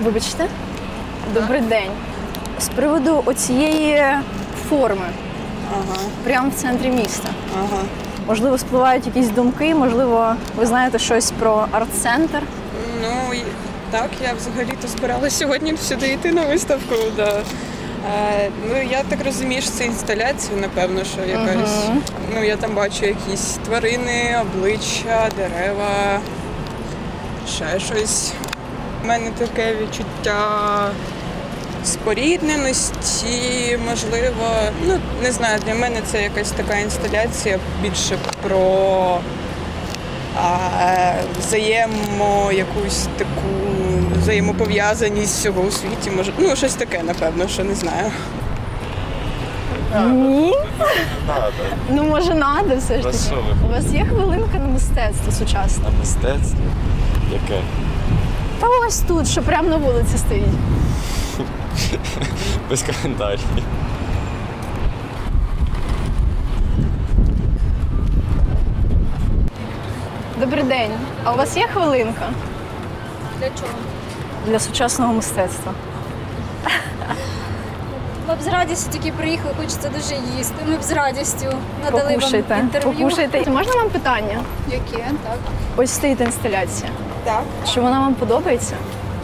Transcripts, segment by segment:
Вибачте. Добрий день. З приводу оцієї форми. Прямо в центрі міста. Можливо, спливають якісь думки, можливо, ви знаєте щось про арт-центр? Ну, так, я взагалі-то збиралася сьогодні сюди йти на виставку. Да. Ну, я так розумію, що це інсталяція, напевно, що якась. Ну, я там бачу якісь тварини, обличчя, дерева, ще щось. У мене таке відчуття спорідненості, можливо, ну, не знаю, для мене це якась така інсталяція більше про якусь таку взаємопов'язаність всього у світі. Може, ну, щось таке, напевно, що не знаю. Ні? Ну, може, надо все ж таки. У вас є хвилинка на мистецтво сучасне? На мистецтво? Яке? Та ось тут, що прямо на вулиці стоїть. Без коментарів. Добрий день. А у вас є хвилинка? Для чого? Для сучасного мистецтва. Ми б з радістю тільки приїхали, хочеться дуже їсти. Ми б з радістю надали Покушайте. вам інтерв'ю. Покушайте. Можна вам питання? Яке? Так. Ось стоїть інсталяція. Так. Чи вона вам подобається?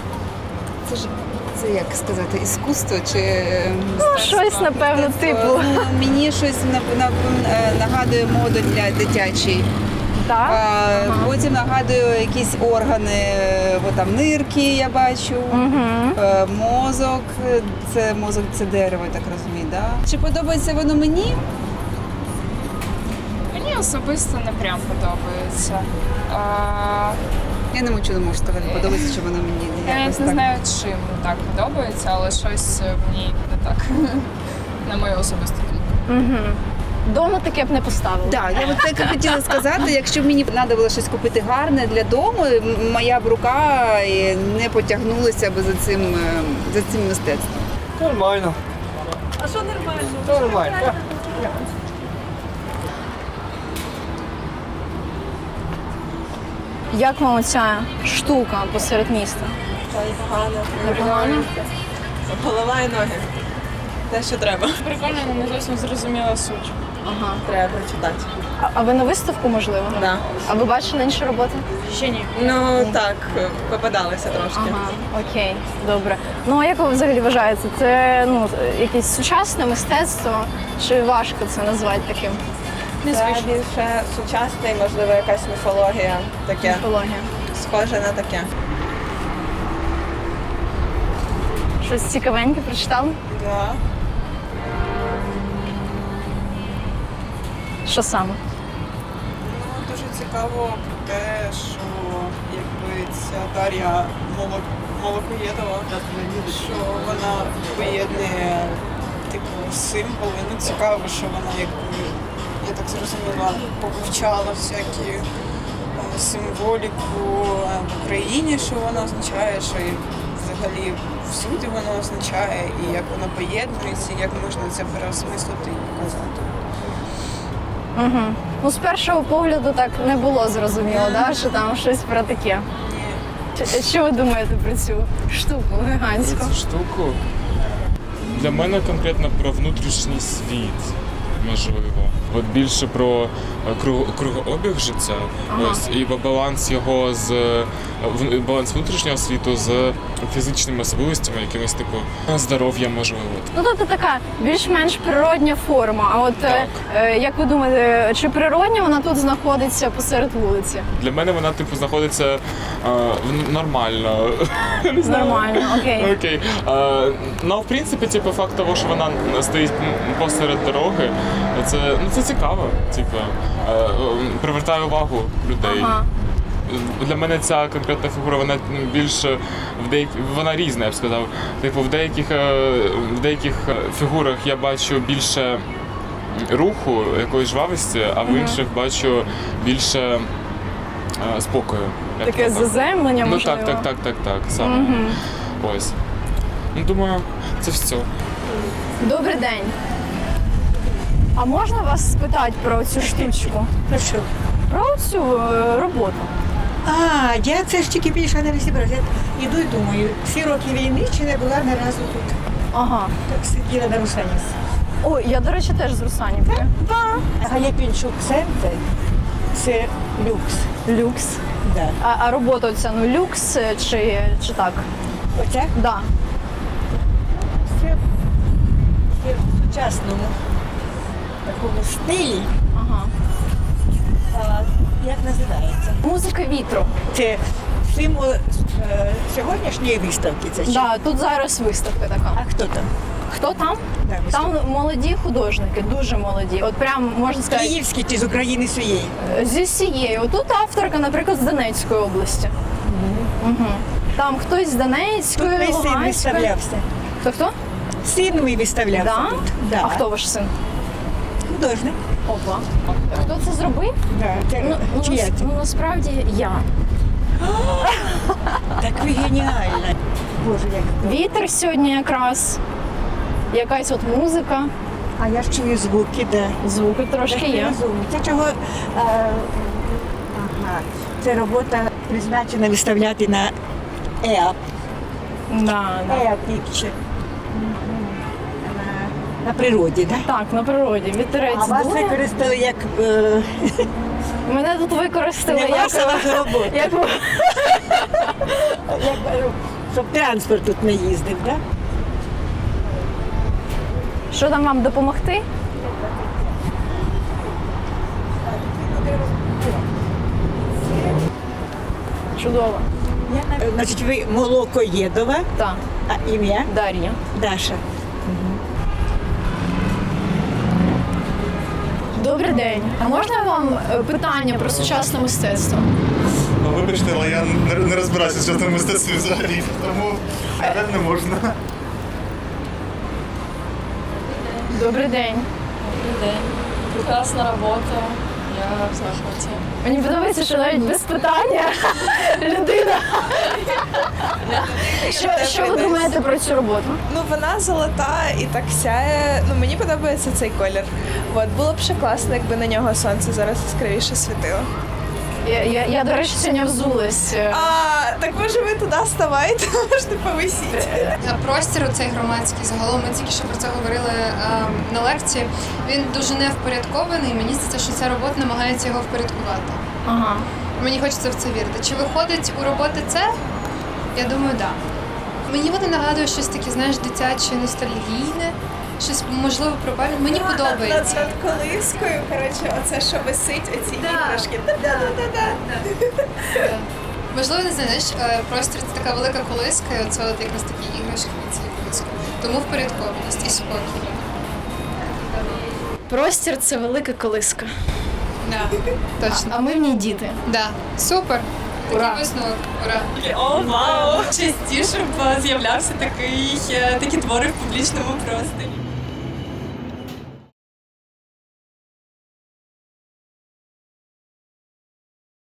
Це як сказати, іскусство чи Щось, напевно, типу. Ну, мені щось нагадує моду для дитячий. Так? Потім нагадує якісь органи, бо там нирки я бачу, мозок, це дерево, я так розумію, да? Чи подобається воно мені? Мені особисто не прям подобається. Я не можу сказати, подобається, чи воно мені. Я якось не так. знаю, чим так подобається, але щось в ній не так. На мою особисту думку. Дома таке б не поставила. Так, я от так і хотіла сказати, якщо б мені треба було щось купити гарне для дому, моя б рука не потягнулася б за цим мистецтвом. Нормально. А що нормально? Нормально. Як вам оця штука посеред міста? Непогано? Голова і ноги. Те, що треба. Прикольно, але не зовсім зрозуміла суть. Ага. Треба прочитати. А ви на виставку, можливо? Да. А ви бачили інші роботи? Ще ні. Ну, так, попадалися трошки. Ага, окей, добре. Ну, а як ви взагалі вважаєте? Це якесь сучасне мистецтво, чи важко це назвати таким? Це більше сучасне і, можливо, якась міфологія таке. Міфологія. Схоже на таке. Щось цікавеньке прочитали? Да. Що саме? Ну, дуже цікаво те, що якби ця Дар'я Молокоєдова, що вона поєднує типу символи. Ну, цікаво, що вона якби, я так зрозуміла, повивчала всякі символіку в Україні, що вона означає, що і взагалі всюди вона означає, і як вона поєднується, і як можна це переосмислити і показати. Угу. Ну, з першого погляду так не було зрозуміло, да? Що там щось про таке. Що ви думаєте про цю штуку гігантську? Про цю штуку? Для мене конкретно про внутрішній світ, можливо. От більше про кругообіг життя, ось, і баланс його баланс внутрішнього світу з фізичними особливостями, якимось типу здоров'я, можливо. Ну, тобто така більш-менш природня форма. А от як ви думаєте, чи природня вона тут знаходиться посеред вулиці? Для мене вона типу знаходиться нормально. Не знаю. Нормально, окей. Окей. Ну, в принципі, типу, факт того, що вона стоїть посеред дороги, це цікаво. Типу, привертає увагу людей. Ага. Для мене ця конкретна фігура, вона більше вона різна, я б сказав. Типу, в деяких фігурах я бачу більше руху, якоїсь жвавості, а в інших бачу більше спокою. Таке заземлення, ну, можливо? Так, саме. Ось. Ну, думаю, це все. Добрий день. А можна вас спитати про цю штучку? Про що? Про цю роботу. А, я це ж тільки більше не розібралася. Я іду і думаю, всі роки війни чи не була не разу тут. Ага. Так сиділа на Русанівці. Ой, я, до речі, теж з Русанівки. Галепінчук центр це люкс. Люкс. Да. А робота оця, ну, люкс чи так? Оця Да. це в сучасному такому стилі. Ага. А, як називається? Музика вітру. Це символ сьогоднішньої виставки. Це чи? Да, тут зараз виставка така. А хто там? Хто там? Да, Там виставка. молоді художники, дуже молоді. От прям можна сказати, Київський чи з України своєї? зі всієї. Отут авторка, наприклад, з Донецької області. Угу. Там хтось з Донецької, Тут мій син Луганської. виставлявся. Хто? Син мій виставлявся Да? тут. Да. А хто ваш син? Художник. Опа. Хто це зробив? Да. Це, Ну, чия це? насправді я. Так ви геніальна. Боже, як. Вітер сьогодні якраз. Якась от музика, А я ж чую звуки, да. звуки трошки Я є. розумію. Це чого? Ага. Це робота призначена виставляти на ЕАП. Да, да. ЕАП Picture. На природі, так? Да? Так, на природі. Вітерець А вас дує. використали як Мене тут використали не ваша ваша робота. як Щоб транспорт тут не їздив, так? Що там вам допомогти? Чудово. Значить, ви Молокоєдова, Так, а ім'я Дар'я. Даша. Добрий день. А можна вам питання про сучасне мистецтво? Ну, вибачте, але я не розбираюся в сучасному мистецтві взагалі, тому не можна. Добрий день. Прекрасна робота. Я в захваті. Мені подобається, що навіть без питання людина. Що ви думаєте про цю роботу? Ну, вона золота і так сяє. Ну, мені подобається цей колір. От, було б ще класно, якби на нього сонце зараз яскравіше світило. Я, до речі, сьогодні взулась. А, так може ви туди ставайте, можете повисіти. Простір цей громадський, загалом ми тільки що про це говорили на лекції. Він дуже невпорядкований. Мені здається, що ця робота намагається його впорядкувати. Ага. Мені хочеться в це вірити. Чи виходить у роботи це? Я думаю, так. Да. Мені вони нагадують щось таке, знаєш, дитяче, ностальгійне, щось можливо про пам'ять. Мені подобається. Над колискою, коротше, оце, що висить, оці іграшки. Да-да-да-да. Да. Можливо, не знаєш, простір це така велика колиска, і оце от якраз такі іграшки від цієї колиски. Тому впорядкованість і спокій. Простір це велика колиска. Да, точно. А ми в ній діти. Да. Супер. Ура. Такий висновок. Ура. О, вау! Частіше б з'являвся такі твори в публічному просторі.